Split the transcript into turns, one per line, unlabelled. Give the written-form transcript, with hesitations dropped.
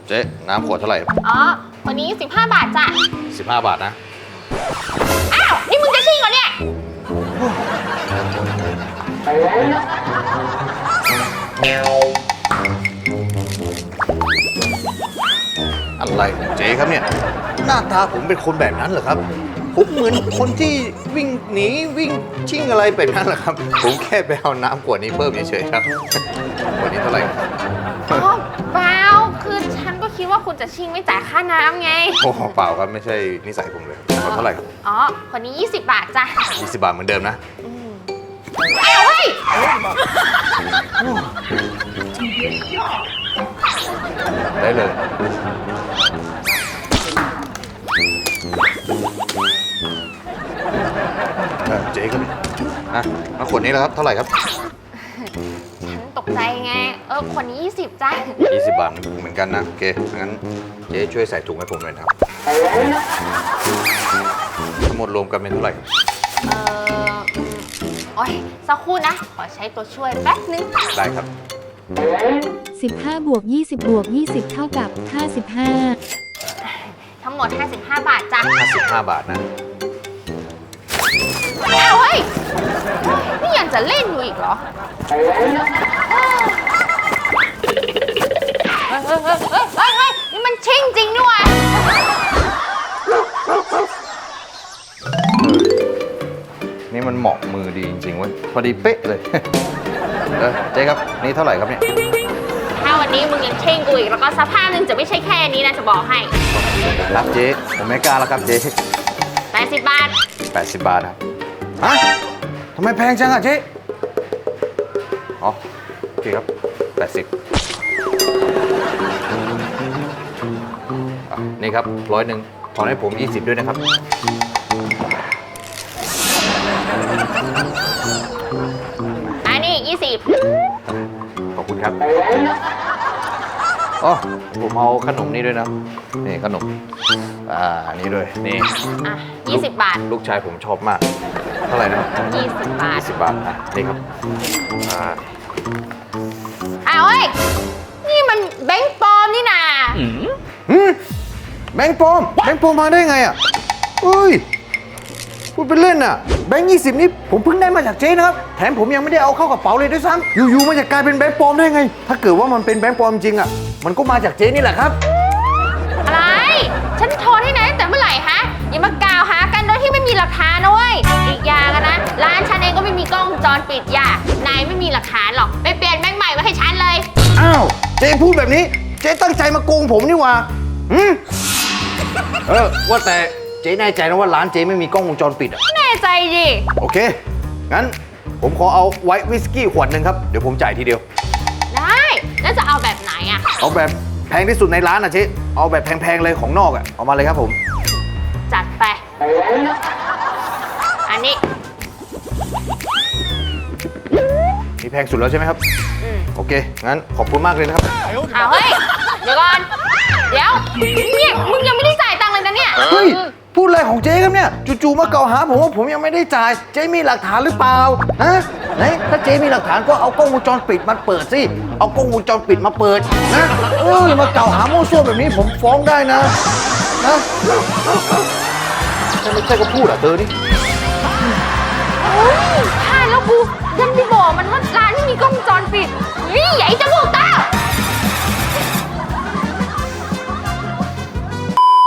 เจ๊น้ำขวดเท่าไหร่
อ๋อวันนี้15 บาทจ้ะ
15 บาทนะ
อ้าวนี่มึงจะชิ่งเหรอเนี่ย
อะไรของเจ๊ครับเนี่ยหน้าตาผมเป็นคนแบบนั้นเหรอครับผมเหมือนคนที่วิ่งหนีวิ่งชิ่งอะไรแบบนั้นเหรอครับผมแค่ไปเอาน้ำขวดนี้เพิ่มเฉยๆครับขวดนี้เท่าไหร่
อ๋อเปล่าคือฉันก็คิดว่าคุณจะชิ่งไม่จ่ายค่าน้ำไง
โอ้เปล่าครับไม่ใช่นิสัยผมเลยเท่าไหร่ครับ
อ๋อคนนี้20 บาทจ้ะ
20 บาทเหมือนเดิมนะ
อ้าวเฮ้ย
ได้เลยเจ๊ครับมาขวดนี้แล้วครับเท่าไหร่ครับ
ฉันตกใจไงคนนี้20จ้ะ
20 บาทเหมือนกันนะโอเคงั้นเจ๊ช่วยใส่ถุงให้ผมหน่อยครับทั้งหมดรวมกันเป็นเท่าไหร่ครับ
โอ้ยสักครู่นะขอใช้ตัวช่วยแป๊บนึง
ได้ครับ
15 บวก 20 บวก 20 เท่ากับ 55
ทั้งหมด55 บาทจ้ะ
55 บาทนะ
อ้าวเฮ้ยนี่ยังจะเล่นอยู่อีกเหรอเฮ้ยนี่มันชิ่งจริงด้วย
นี่มันเหมาะมือดีจริงๆเว้ยพอดีเป๊ะเลย เจ๊ครับนี่เท่าไหร่ครับเนี่ย
ถ้าวันนี้มึงยังเช่งกูอีกแล้วก็สภาพนึงจะไม่ใช่แค่นี้นะจะบอกให้
รับเจ๊ผมไม่กล้าแล้วครับเจ๊
80 บาท
80 บาทครับฮะทำไมแพงจังอ่ะเจ๊อ๋อโอเคครับ80นี่ครับ100ถอนให้ผม20ด้วยนะครับ
อันนี้20
ขอบคุณครับอ๋อผมเอาขนมนี่ด้วยนะนี่ขนมนี่ด้วยนี่
อ่ะ20 บาท
ลูกชายผมชอบมากเท่าไหร่นะครับ
20 บาท
20 บาทนี่ครับ
อ้าวเฮ้ยนี่มันแบงค์ปลอมนี่นา
แบงค์ปลอมมาได้ไงอ่ะเฮ้ยพูดเป็นเล่นอ่ะแบงค์20นี่ผมเพิ่งได้มาจากเจ๊นะครับแถมผมยังไม่ได้เอาเข้ากระเป๋าเลยด้วยซ้ำอยู่ๆมันจะกลายเป็นแบงค์ปลอมได้ไงถ้าเกิดว่ามันเป็นแบงค์ปลอมจริงอ่ะมันก็มาจากเจ๊นี่แหละครับ
อะไร ฉันโทรที่ไหนแต่เมื่อไหร่ฮะอย่ามากล่าวหากันโดยที่ไม่มีหลักฐานนะเว้ยอีกอย่างนะร้านฉันเองก็ไม่มีกล้องวงจรปิดอย่านายไม่มีหลักฐานหรอกไปเปลี่ยนแบงค์ใหม่มาให้ฉันเลย
อ้าวเจ๊พูดแบบนี้เจ๊ตั้งใจมาโกงผมนี่หว่าว่าแต่เจ๊แน่ใจนะว่าร้านเจ๊ไม่มีกล้องวงจรปิดอ่ะ
แน่ใจดิ
โอเคงั้นผมขอเอาไวท์วิสกี้ขวดหนึ่งครับเดี๋ยวผมจ่ายทีเดียว
ได้แล้วจะเอาแบบไหนอะ
เอาแบบแพงที่สุดในร้านนะเจ๊เอาแบบแพงๆเลยของนอกอ่ะเอามาเลยครับผม
จัดไปอันนี้
นี่แพงสุดแล้วใช่ไหมครับโอเคงั้นขอบคุณมากเลยนะครับ
เอาเฮ้ยเดี๋ยวก่อนเดี๋ยวเนี่ยมึงยังไม่ได้จ่ายตังค์เลยนะเนี่ย
เฮ้ยพูดอะไรของเจ๊ครับเนี่ยจู่ๆมาเกล่าวหาผมว่าผมยังไม่ได้จ่ายเจ๊มีหลักฐานหรือเปล่าฮะไหนถ้าเจ๊มีหลักฐานก็เอากล้องวงจรปิดมาเปิดสิเอากล้องวงจรปิดมาเปิดนะมากล่าวหาโม้ซั่วแบบนี้ผมฟ้องได้นะไม่ใช่ก็พูดอ่ะเธอนี่
โอ้ยพลาดแล้วกูยันไปบอกมันว่าร้านไม่มีกล้องวงจรปิดนี่ใหญ่จมูกตา